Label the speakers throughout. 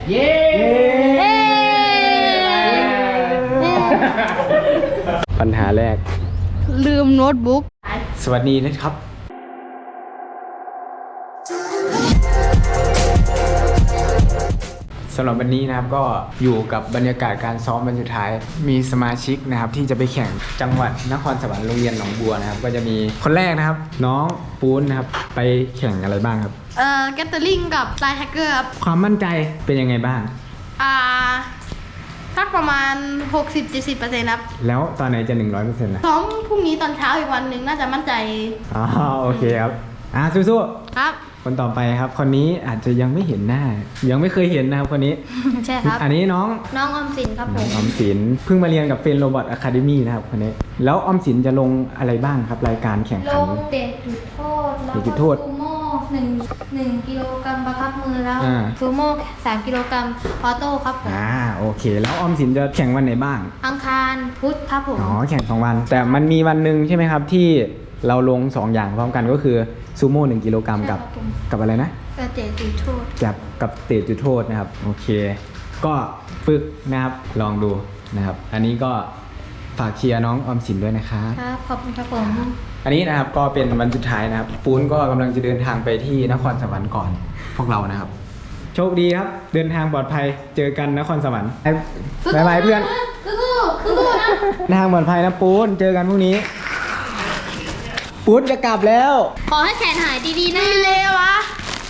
Speaker 1: เย้ปัญหาแรก
Speaker 2: ลืมโน้ตบุ๊ก
Speaker 1: สวัสดีนะครับสำหรับวันนี้นะครับก็อยู่กับบรรยากาศการซ้อมวันสุดท้ายมีสมาชิกนะครับที่จะไปแข่งจังหวัดนครสวรรค์โรงเรียนหนองบัวนะครับก็จะมีคนแรกนะครับน้องปูนนะครับไปแข่งอะไรบ้างครับ
Speaker 2: แกตเตอร์ลิงกับไลน์แฮกเกอร์ครับ
Speaker 1: ความมั่นใจเป็นยังไงบ้าง
Speaker 2: สักประมาณ 60-70% ครับ
Speaker 1: แล้วตอนไหนจะ 100%นะ
Speaker 2: ซ้อมพรุ่งนี้ตอนเช้าอีกวันหนึ่งน่าจะมั่นใจ
Speaker 1: อ๋อโอเคครับสู้ๆ
Speaker 2: ครับ
Speaker 1: คนต่อไปครับคนนี้อาจจะยังไม่เห็นหน้ายังไม่เคยเห็นนะครับคนนี้
Speaker 2: ใช่ครับ
Speaker 1: อันนี้น้อง
Speaker 2: ออมสินครับผม
Speaker 1: ออมสินเพิ่งมาเรียนกับเฟรนโรบอทอะคาเดมี่นะครับคนนี้แล้วออมสินจะลงอะไรบ้างครับรายการแข่งขัน
Speaker 2: ลงเตะจุดโทษแล้วก็ซูโม่1กิโลกรัมประคับมือแล้วซูโม่3กิโลกรัมออโต้ครับผม
Speaker 1: โอเคแล้วออมสินจะแข่งวันไหนบ้าง
Speaker 2: อังคารพุธครับผม
Speaker 1: แข่ง2 วันแต่มันมีวันหนึ่งใช่ไหมครับที่เราลง2 อย่างพร้อมกันก็คือซูโม่1กิโลกรัมกับอะไรนะ
Speaker 2: เตะจุดโทษ
Speaker 1: กับเตะจุดโทษนะครับโอเคก็ฝึกนะครับลองดูนะครับอันนี้ก็ฝากเชียร์น้องออมสินด้วยนะครับ
Speaker 2: ครับขอบคุณครับผม
Speaker 1: อันนี้นะครับก็เป็นวันสุดท้ายนะครับปูนก็กำลังจะเดินทางไปที่นครสวรรค์ก่อนพวกเรานะครับโชคดีครับเดินทางปลอดภัยเจอกันนครสวรรค์บ๊ายบายเพื่อน
Speaker 2: สู้
Speaker 1: นะทางปลอดภัยนะปูนเจอกันพรุ่งนี้ปูนจะกลับแล้ว
Speaker 2: ขอให้แขนหายดีๆนะเลยวะ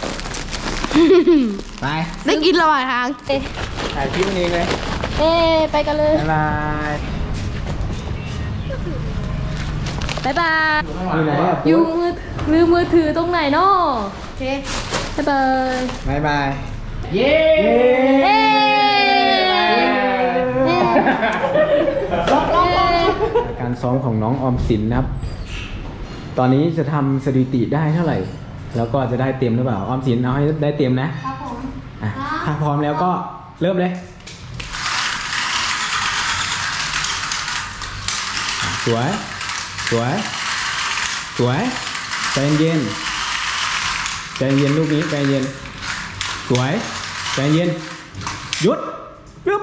Speaker 1: ไป
Speaker 2: ได้กินระหว่างทาง
Speaker 1: ถ่ายคลิปนี้เลย
Speaker 2: ไปกันเลย
Speaker 1: บ๊ายบาย
Speaker 2: บ๊ายบาย
Speaker 1: อยู่ไหนอ่ะ
Speaker 2: อยู่มือถือตรงไหนเนาะโอเคบ๊ายบาย
Speaker 1: เย้การซ้อมของน้องออมสินนะครับตอนนี้จะทำสถิติได้เท่าไหร่แล้วก็จะได้เต็มหรือเปล่าออมสินเอาให้ได้เต็มนะครับ
Speaker 2: ผม
Speaker 1: ถ้าพร้อมแล้วก็เริ่มเลยสวยใจเย็นลูกนี้ใจเย็นสวยใจเย็นหยุดปึ๊บ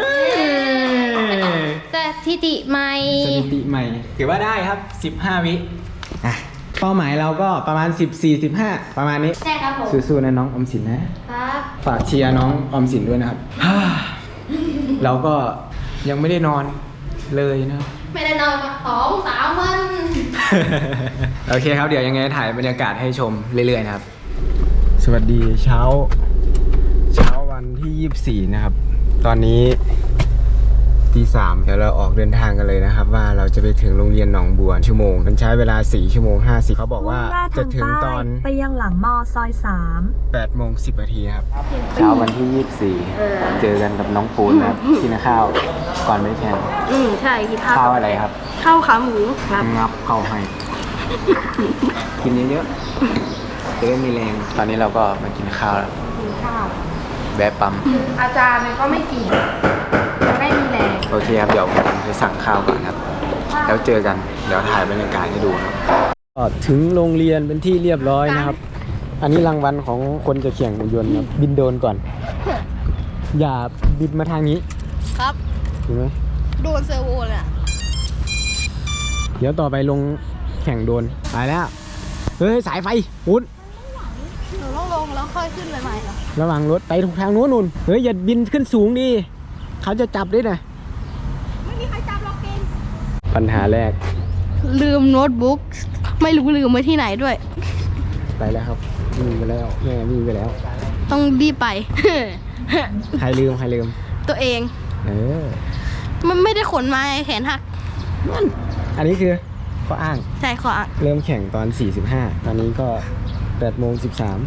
Speaker 2: สถิติใหม่
Speaker 1: ถือว่าได้ครับ15 วิเป้าหมายเราก็ประมาณ14-15ประมาณนี้
Speaker 2: ใช่ครับผม
Speaker 1: สู้ๆนะน้องออมสินนะครับฝากเชียร์น้องออมสินด้วยนะครับเราก็ยังไม่ได้นอนเลยนะ
Speaker 2: ไม่ได้นอนมา2-3 วัน
Speaker 1: โอเคครับเดี๋ยวยังไงถ่ายบรรยากาศให้ชมเรื่อยๆนะครับสวัสดีเช้าวันที่24นะครับตอนนี้ตี 3เดี๋ยวเราออกเดินทางกันเลยนะครับว่าเราจะไปถึงโรงเรียนหนองบัวชั่วโมงมันใช้เวลา4 ชั่วโมง 50เขาบอกว่าจะถึงตอน
Speaker 3: ไปยังหลังมอซอย3
Speaker 1: 8 โมง 10 นาทีครับเช้าวันที่24เจอกันกับน้องปูนครับกินข้าวก่อนไปแข่ง
Speaker 2: ใช่กิน
Speaker 1: ข้าวอะไรครับ
Speaker 2: ข้าวขาหมู
Speaker 1: ครับงับเข้าให้กินเยอะๆจะได้มีแรงตอนนี้เราก็มากินข้าวแล้วแวะปั๊ม
Speaker 2: อาจารย์ก็ไม่กินจะไม่มีแรง
Speaker 1: โอเคครับเดี๋ยวผมไปสั่งข้าวก่อนครับแล้วเจอกันเดี๋ยวถ่ายบรรยากาศให้ดูครับก็ถึงโรงเรียนเป็นที่เรียบร้อยนะครับอันนี้รางวัลของคนจะแข่งหุ่นยนต์ครับบินโดรนก่อนอย่าบินมาทางนี้
Speaker 2: ครับ
Speaker 1: เห็นไหม
Speaker 2: โดนเซอร์โวเลย
Speaker 1: เดี๋ยวต่อไปลงแข่งโดรนไปแล้วเฮ้ยสายไฟหุ่น
Speaker 2: หนูต้องลงแล้วค่อยขึ้นใหม่ๆเหรอ
Speaker 1: ระวังรถไปทางนู้นเฮ้ยอย่าบินขึ้นสูงดิเขาจะจับด้วยนะ
Speaker 2: ไม่มีใครจับหรอกเกม
Speaker 1: ปัญหาแรก
Speaker 2: ลืมโน้ตบุ๊กไม่รู้ลืมไว้ที่ไหนด้วย
Speaker 1: ไปแล้วครับมีไปแล้วแม่มีไปแล้ว
Speaker 2: ต้องรีบไป
Speaker 1: ใครลืม
Speaker 2: ตัวเองมันไม่ได้ขนมาแขนหัก
Speaker 1: อันนี้คือข้ออ้าง
Speaker 2: ใช่ข้ออ้าง
Speaker 1: เริ่มแข่งตอน45ตอนนี้ก็8 โมง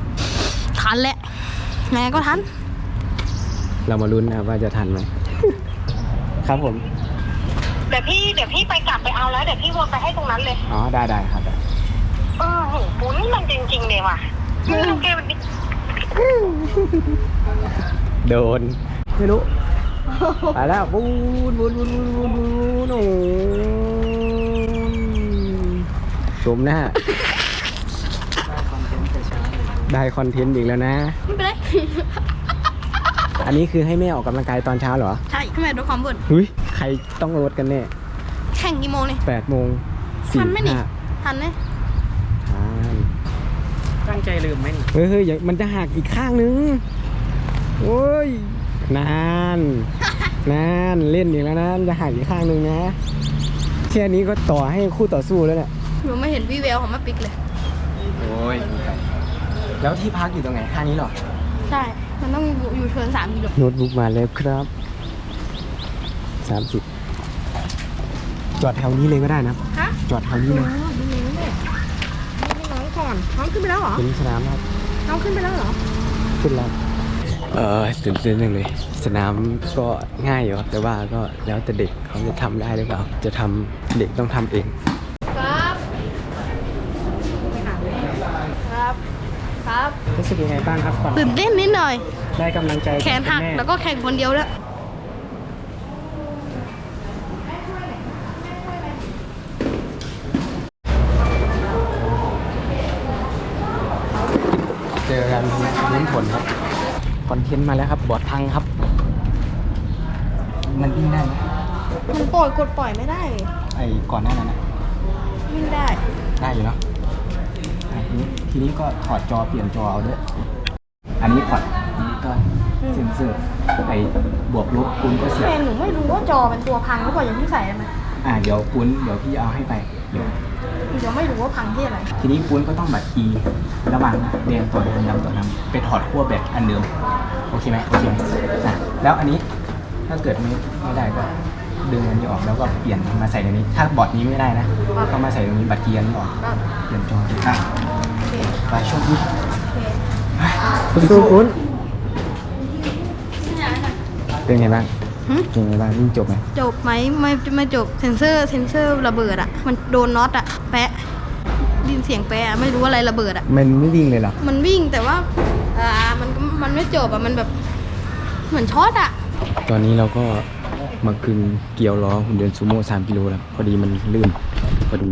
Speaker 1: 13
Speaker 2: ทันแหละแม่ก็ทัน
Speaker 1: เรามาลุ้นนะครับว่าจะทันไหมครับผม
Speaker 4: เดี๋ยวพี่ไปกลับไปเอาแล้วเดี๋ยวพี่วนไปให้ตรงนั้นเลย
Speaker 1: อ๋อได้ครับ
Speaker 4: โหปุ้นมันจริงๆเลยว่ะเกม
Speaker 1: โดนไม่รู้ไปแล้วบูนโอ้ชมหน้าได้คอนเทนต์อีกแล้วนะ
Speaker 2: ไม่เป็นไร
Speaker 1: อันนี้คือให้แม่ออกกำลังกายตอนเช้าเหรอ
Speaker 2: ใช่ทำไมลดความบ่น
Speaker 1: เฮ้ยใครต้องลดกันแน่
Speaker 2: แข่งกี่โมงเนี่ย
Speaker 1: 8:45
Speaker 2: ทันไหมนี่ทันไหม
Speaker 1: ตั้งใจลืมไหมเฮ้ยมันจะหักอีกข้างนึงโอ้ยนานเล่นอีกแล้วนะจะหักอีกข้างนึงนะแค่นี้ก็ต่อให้คู่ต่อสู้แล้วเนี่ย
Speaker 2: หนูไม่เห็นวี่แววของแม่ปิ๊กเลย
Speaker 1: โอ้ยแล้วที่พักอยู่ตรงไหนข้างนี้เหรอ
Speaker 2: ใช่ มันต้องอยู่เทิร์น3 กิโล
Speaker 1: โน้ตบุ๊กมาแล้วครับ30จอดแถวนี้เลยก็ได้นะ
Speaker 2: ฮะ
Speaker 1: จอดแถวนี้เลย
Speaker 2: ดูนี่เนี่ยนี่น้องก่อนน้องขึ้นไปแล้วเหรอ
Speaker 1: เป็นสนามครับ
Speaker 2: น้องขึ้นไปแล้วเหรอ
Speaker 1: ขึ้นแล้วตื่นเต้นจังเลยสนามก็ง่ายอยู่ครับแต่ว่าก็แล้วแต่เด็กเขาจะทำได้หรือเปล่าจะทำเด็กต้องทำเอง
Speaker 2: ครับครับครับ
Speaker 1: รู้สึกยังไงบ้างครับก่อน
Speaker 2: ตื่นเต้นนิดหน่อย
Speaker 1: ได้กำลังใจ
Speaker 2: แขนหักแล้วก็แข่งคนเดียวแล้วย
Speaker 1: เจอกันลุ้นผลครับคอนเทนต์มาแล้วครับบอร์ดพังครับ มันวิ่งได้ไหม
Speaker 2: มันกดปล่อยไม่ได้เลย
Speaker 1: ไอ้ก่อนหน้านั้นนะ
Speaker 2: วิ่งได้
Speaker 1: ได้อยู่เนาะทีนี้ก็ถอดจอเปลี่ยนจอเอาด้วยอันนี้พอร์ตอันนี้ก็เซ็นเซอร์ไอ้บวกลบปุ้นก็เสียบ
Speaker 2: แฟนหนูไม่รู้ว่าจอเป็นตัวพังหรือเปล่ายังไม่ใส่ได้ไหม
Speaker 1: เดี๋ยวปุ้นเดี๋ยวพี่เอาให้ไปเดี๋ยว
Speaker 2: เดี๋ยวไม่รู้ว่าพังที่อะไร
Speaker 1: ทีนี้ปุ้นก็ต้องแบบคีย์ระหว่างแดงตัวแดงดำตัวดำไปถอดขั้วแบตอันเดิมโอเคไหมแล้วอันนี้ถ้าเกิดไม่ได้ก็ดึงอันนี้ออกแล้วก็เปลี่ยนมาใส่ตรงนี้ ถ้าบอร์ดนี้ไม่ได้นะก็มาใส่ตรงนี้บัตรเกียร์นี้ออกเปลี่ยนจอไปช่วงนี้สู้ปุ้นเป็นไงบ้างเป็นไงบ้างวิ่งจบไหม
Speaker 2: จบไหมไม่จบเซนเซอร์ระเบิดอ่ะมันโดนน็อตอ่ะแปะดินเสียงแปะไม่รู้อะไรระเบิดอ่ะ
Speaker 1: มันไม่วิ่งเลยเหรอ
Speaker 2: มันวิ่งแต่ว่ามันไม่จบอ่ะมันแบบเหมือนช็อตอ่ะ
Speaker 1: ตอนนี้เราก็มากึงเกี่ยวล้อหุ่นยนต์ซูโม่3 กิโลแล้วพอดีมันลื่นพอดี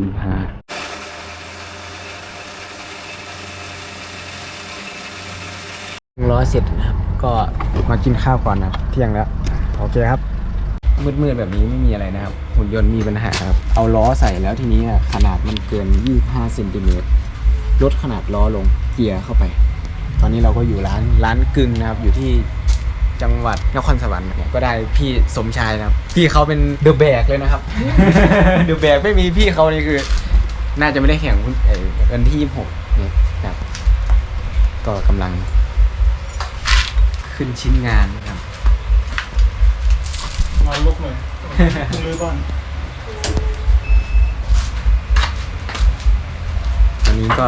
Speaker 1: ล้อเสร็จนะครับก็มากินข้าวก่อนนะครับเที่ยงแล้วโอเคครับมืดๆแบบนี้ไม่มีอะไรนะครับหุ่นยนต์มีปัญหาครับเอาล้อใส่แล้วทีนี้ขนาดมันเกิน25 เซนติเมตรลดขนาดล้อลงเกียร์เข้าไป ตอนนี้เราก็อยู่ร้านกึ่งนะครับอยู่ที่จังหวัดนครสวรรค์ก็ได้พี่สมชายนะครับพี่เขาเป็นเดอะแบกเลยนะครับ เดอะแบกไม่มีพี่เขานี่คือ น่าจะไม่ได้แข่งวันที่26นี่ครับก็กำลังขึ้นชิ้นงานนะครับ
Speaker 5: มาลุกหน่อยต้องรื้อบ้าน
Speaker 1: ตอนนี้ก็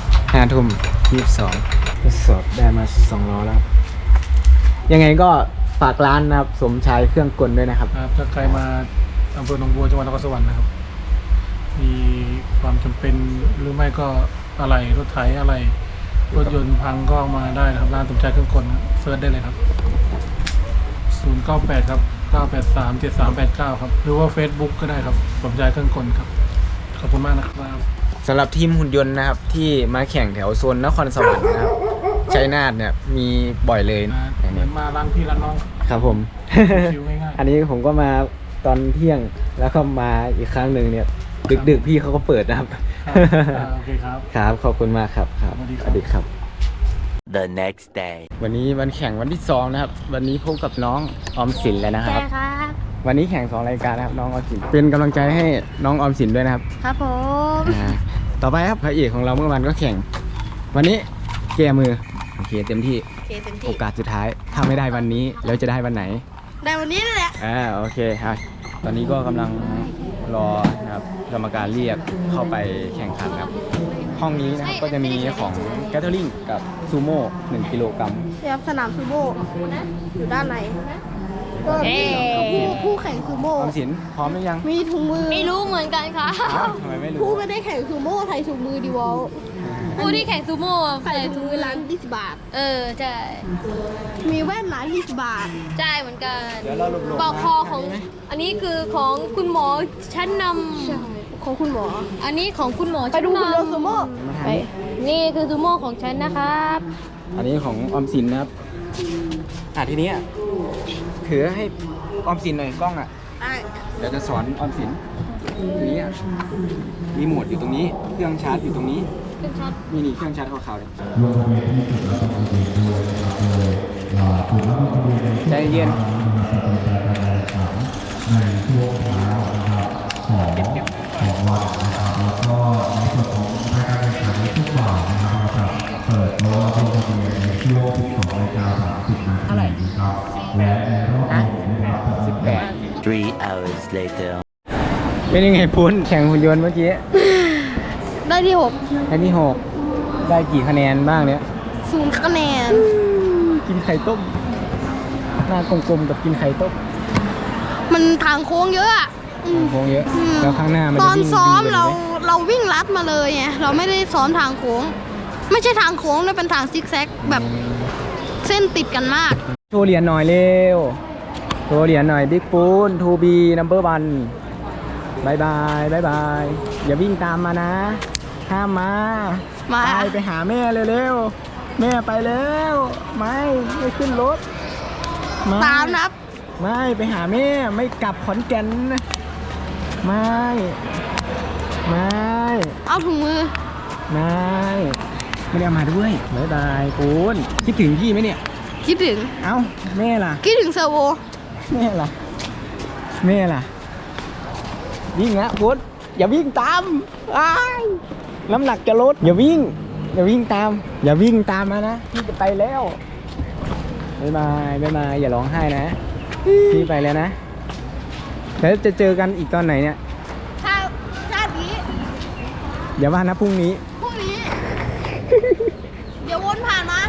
Speaker 1: 5:22ทดสอบได้มา2 ล้อแล้วยังไงก็ฝากร้านนะครับสมชายเครื่องกลด้วยนะครับ
Speaker 5: ครับถ้าใครมาอำเภอหนองบัวจังหวัดนครสวรรค์นะครับ มีความจำเป็นหรือไม่ก็อะไรรถไถอะไรรถยนต์พังก็มาได้นะครับร้านสมชายเครื่องกลครับเซิร์ชได้เลยครับ 098 ครับ 983 7389 ครับหรือว่า Facebook ก็ได้ครับสมชายเครื่องกลครับขอบคุณมากนะครับ
Speaker 1: สำหรับทีมหุ่นยนต์นะครับที่มาแข่งแถวโซนนครสวรรค์นะครับชัยนาทเนี่ยมีบ่อยเลยอย่าง
Speaker 5: เหมื
Speaker 1: นี้
Speaker 5: อนมาร้านพี่ร้านน้อง
Speaker 1: ครับผม
Speaker 5: ชิวง่ายๆ
Speaker 1: อันนี้ผมก็มาตอนเที่ยงแล้วก็มาอีกครั้งหนึ่งเนี่ยดึกๆพี่เขาก็เปิดนะครับ
Speaker 5: โอเคครับ
Speaker 1: ครับขอบคุณมากครับครับ
Speaker 5: สวัสดี
Speaker 1: ส
Speaker 5: ครับ
Speaker 1: วัสดีครับ
Speaker 6: The next day
Speaker 1: วันนี้วันแข่งวันที่2นะครับวันนี้พบกับน้องออมสินเลยนะค
Speaker 2: ใช่
Speaker 1: รับ
Speaker 2: ครับ
Speaker 1: วันนี้แข่ง2 รายการนะครับน้องออมสินเป็นกำลังใจให้น้องออมสินด้วยนะครับ
Speaker 2: ครับผม
Speaker 1: ต่อไปครับพระเอกของเราเมื่อวานก็แข่ง วันนี้แก้มือโอเคเต็มที่
Speaker 2: โอเคเต็ม
Speaker 1: โอ
Speaker 2: ที่
Speaker 1: กาสสุดท้ายถ้าไม่ได้วันนี้แล้วจะได้วันไหน
Speaker 2: ได้วันนี้นั่นแหละ
Speaker 1: โอเคครับตอนนี้ก็กำลังรอนะครับกรรมการเรียกเข้าไปแข่งขันครับห้องนี้นะครับก็จะมีของแกทเทอริงกับซูโม่1 กิโลกรัม
Speaker 2: เรียบสนามซูโม่อยู่ด้านในก็ผู้แข่งซูโม่
Speaker 1: ออมสินพร้อมหรือยัง
Speaker 2: มีถุงมือ
Speaker 7: ไม่รู้เหมือนกันค่ะ
Speaker 1: อ้าวทำไมไม่รู้
Speaker 2: ผู้ไม่ได้แข่งซูโม่ใส่ถุงมือดีวอล
Speaker 7: ผู้ที่แข่งซูโม่อะ
Speaker 2: ใส่ถุงมือร้าน20 บาท
Speaker 7: ใช่
Speaker 2: มีแว่นร้าน20 บาท
Speaker 7: ใช่เหมือนกัน
Speaker 1: เดี๋ยวเราหลบๆ
Speaker 7: ปอกคอของ อันนี้คือของคุณหมอชั้นน
Speaker 2: ของคุณหมอ
Speaker 7: ำอันนี้ของคุณหมอ
Speaker 2: ไป
Speaker 7: ชั้น
Speaker 2: ดู
Speaker 7: น
Speaker 2: คุณโดซูโม่
Speaker 7: ำไปนี่คือซูโม่ของฉันนะครับ
Speaker 1: อันนี้ของออมสินนะครับทีนี้ถือให้ออมสินหน่อยกล้องอ่ะ
Speaker 7: ได้
Speaker 1: เดี๋ยวจะสอนออมสินทีนี้รีโมทอยู่ตรงนี้เครื่องชาร์จอยู่ตรงนี้
Speaker 2: ขึ้นชัด
Speaker 1: นี่เครื่องชาร์จขาวๆเลยใจเย็นเท่าไหร่18
Speaker 6: 3 hours later.
Speaker 1: เป็นยังไงปุ้นแข่งหุ่นยนต์เมื่อกี้
Speaker 7: ได้ที่
Speaker 1: ได้ที่6ได้กี่คะแนนบ้างเนี่ย
Speaker 7: 6 0คะแนน
Speaker 1: กินไข่ต้มหน้ากลมๆกับกินไข่ต้ม
Speaker 7: มันทางโค้งเยอะอะ
Speaker 1: โค้งเยอะแล้วข้างหน้ามัน
Speaker 7: ต
Speaker 1: จะ
Speaker 7: อน
Speaker 1: วิ่ง
Speaker 7: ซ้อม
Speaker 1: วิ่งไป
Speaker 7: เราวิ่งลัดมาเลยไงเราไม่ได้ซ้อมทางโค้ง ไม่ใช่ทางโค้งนะเป็นทางซิกแซกแบบเส้นติดกันมาก
Speaker 1: โชว์เหรียญหน่อยเร็วโชว์เหรียญหน่อยบิ๊กปูน 2B number 1บายบายบายบายอย่าวิ่งตามมานะห้ามมา
Speaker 7: มา
Speaker 1: ไปหาแม่เร็วๆแม่ไปแล้วไม่ขึ้นรถไม่
Speaker 7: ตามนับ
Speaker 1: ไม่ไปหาแม่ไม่กลับขอนแก่นไม่ไม่
Speaker 7: เอาถุงมือ
Speaker 1: ไม่ได้เอามาด้วยบายบายปูนคิดถึงพี่ไหมเนี่ย
Speaker 7: คิดถึง
Speaker 1: เอ้าแม่ล่ะ
Speaker 7: คิดถึงเซอร์โว
Speaker 1: แม่ล่ะวิ่งนะพุทธอย่าวิ่งตามอ้ายน้ำหนักจะลดอย่าวิ่งตามมานะพี่จะไปแล้วบ๊ายบายอย่าร้องไห้นะพี่ไปแล้วนะแล้วจะเจอกันอีกตอนไหนเนี่ย
Speaker 7: ชาตินี้
Speaker 1: อย่าว่านะพรุ่งนี้
Speaker 7: พรุ่งนี้ เดี๋ยววนผ่านมา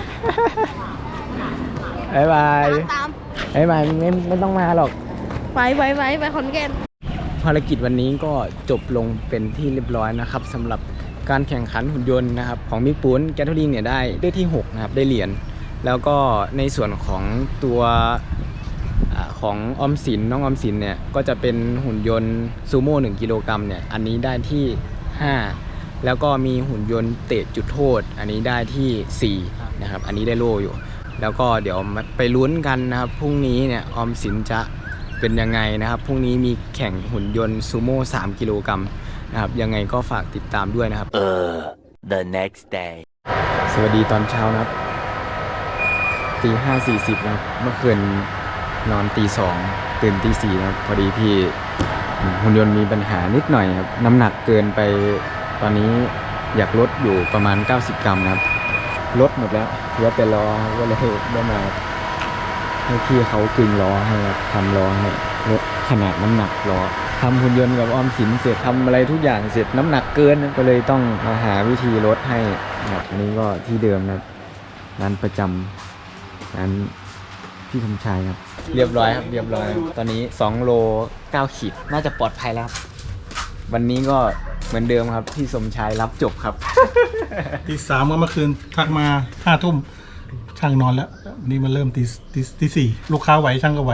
Speaker 1: บ๊ายบาย
Speaker 7: ตาม
Speaker 1: ไม่ต้องมาหรอก
Speaker 7: ไปขอนแก่น
Speaker 1: ภารกิจวันนี้ก็จบลงเป็นที่เรียบร้อยนะครับสำหรับการแข่งขันหุ่นยนต์นะครับของบิ๊กปูนแกทเทอริงเนี่ยได้ที่6นะครับได้เหรียญแล้วก็ในส่วนของตัวของออมสินน้องออมสินเนี่ยก็จะเป็นหุ่นยนต์ซูโม่1กิโลกรัมเนี่ยอันนี้ได้ที่5แล้วก็มีหุ่นยนต์เตะจุดโทษอันนี้ได้ที่4นะครับอันนี้ได้โล่อยู่แล้วก็เดี๋ยวไปลุ้นกันนะครับพรุ่งนี้เนี่ยออมสินจะเป็นยังไงนะครับพรุ่งนี้มีแข่งหุ่นยนต์ซูโม่3กิโลกรัมนะครับยังไงก็ฝากติดตามด้วยนะครับ
Speaker 6: The next day.
Speaker 1: สวัสดีตอนเช้านะครับ5:40นะครับเมื่อคืนนอน2:00ตื่น4:00นะครับพอดีพี่หุ่นยนต์มีปัญหานิดหน่อยครับน้ำหนักเกินไปตอนนี้อยากลดอยู่ประมาณ90 กรัมนะครับลดหมดแล้วเหลือแต่ล้อก็เลยได้มาให้พี่เขากึ่งล้อให้ครับทำล้อให้ลดขนาดน้ำหนักล้อทำหุ่นยนต์กับออมสินเสร็จทำอะไรทุกอย่างเสร็จน้ำหนักเกินก็เลยต้องมาหาวิธีลดให้นะครับอันนี้ก็ที่เดิมนะครับร้านประจำร้านพี่สมชายครับเรียบร้อยครับตอนนี้2โล9ขีดน่าจะปลอดภัยแล้วครับวันนี้ก็เหมือนเดิมครับพี่สมชายรับจบครับ
Speaker 5: ตี 3เมื่อคืนทักมา5 ทุ่มช่างนอนแล้ววันนี้มันเริ่มตี 4ลูกค้าไหวช่างก็ไหว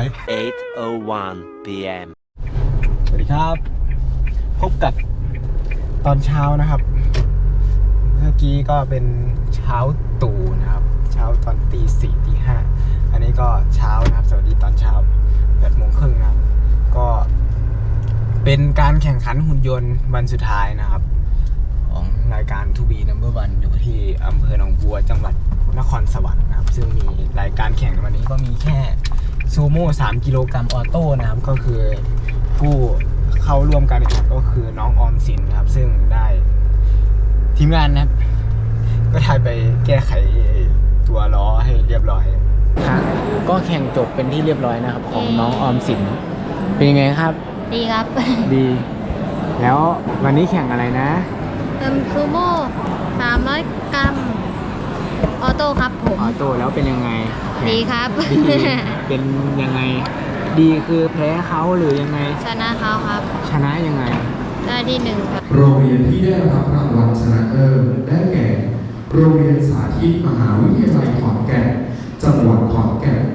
Speaker 6: 8:01 p.m.
Speaker 1: สวัสดีครับ พบกับตอนเช้านะครับ เมื่อกี้ก็เป็นเช้าตู่นะครับ เช้าตอนตี 4 ตี 5อันนี้ก็เช้านะครับ สวัสดีตอนเช้า8:30นะครับก็เป็นการแข่งขันหุ่นยนต์วันสุดท้ายนะครับ ของรายการ 2B number 1อยู่ที่อำเภอหนองบัวจังหวัดนครสวรรค์นะครับซึ่งมีรายการแข่งในวันนี้ก็มีแค่ซูโม่3กิโลกรัมออโต้นะครับก็คือผู้เข้าร่วมการแข่งขันก็คือน้องออมสินนะครับซึ่งได้ทีมงานนะครับก็ได้ไปแก้ไขตัวล้อให้เรียบร้อยก็แข่งจบเป็นที่เรียบร้อยนะครับของน้องออมสินเป็นยังไงครับ
Speaker 2: ดีครับ
Speaker 1: ดี แล้ววันนี้แข่งอะไรนะ
Speaker 2: ซูโม่300 กรัม ออโต้ครับผม
Speaker 1: ออโต้แล้วเป็นยังไง
Speaker 2: ดีครับ
Speaker 1: ดีเป็นยังไง ดีคือแพ้เขาหรือยังไง
Speaker 2: ชนะเขาครับ
Speaker 1: ชนะยังไง
Speaker 2: ได้ที่1ครับ
Speaker 8: โรงเรียนที่ได้รับรางวัลชนะเลิศได้แก่ โรงเรียนสาธิตมหาวิทยาลัยขอนแก่น จังหวัดขอนแก่น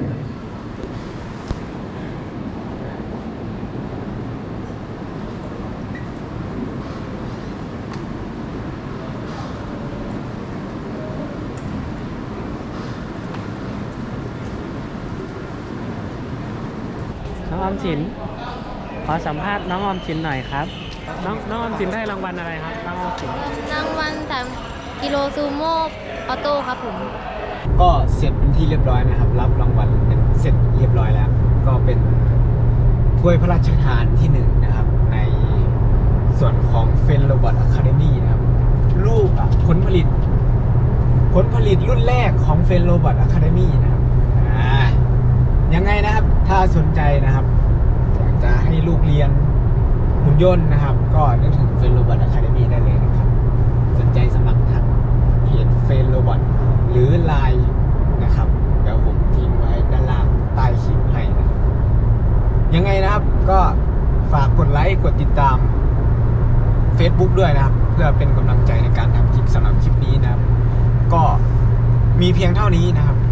Speaker 9: น้องออมสินขอสัมภาษณ์น้องออมสินหน่อยครับน้องออมสินได้รางวัลอะไรครับน้องออมสิน
Speaker 2: รางวัล3 กิโลซูโม่ออโต้ครับผม
Speaker 1: ก็เสร็จเป็นที่เรียบร้อยนะครับ รับรางวัลเป็นเสร็จเรียบร้อยแล้ว ก็เป็นถ้วยพระราชทานที่1นะครับในส่วนของเฟนโรบอทอะคาเดมี่นะครับลูกผลผลิตรุ่นแรกของเฟนโรบอทอะคาเดมี่นะครับยังไงนะครับถ้าสนใจนะครับอยากจะให้ลูกเรียนหุ่นยนต์นะครับ ก็นึกถึงเฟนโรบอทอะคาเดมี่ได้เลยนะครับสนใจสมัครทางเพจเฟนโรบอทหรือ Line นะครับเดี๋ยวผมทิ้งไว้ด้านล่างใต้คลิปให้นะครับยังไงนะครับก็ฝากกดไลค์กดติดตาม Facebook ด้วยนะครับ เพื่อเป็นกำลังใจในการทำคลิปสำหรับคลิปนี้นะครับ ก็มีเพียงเท่านี้นะครับ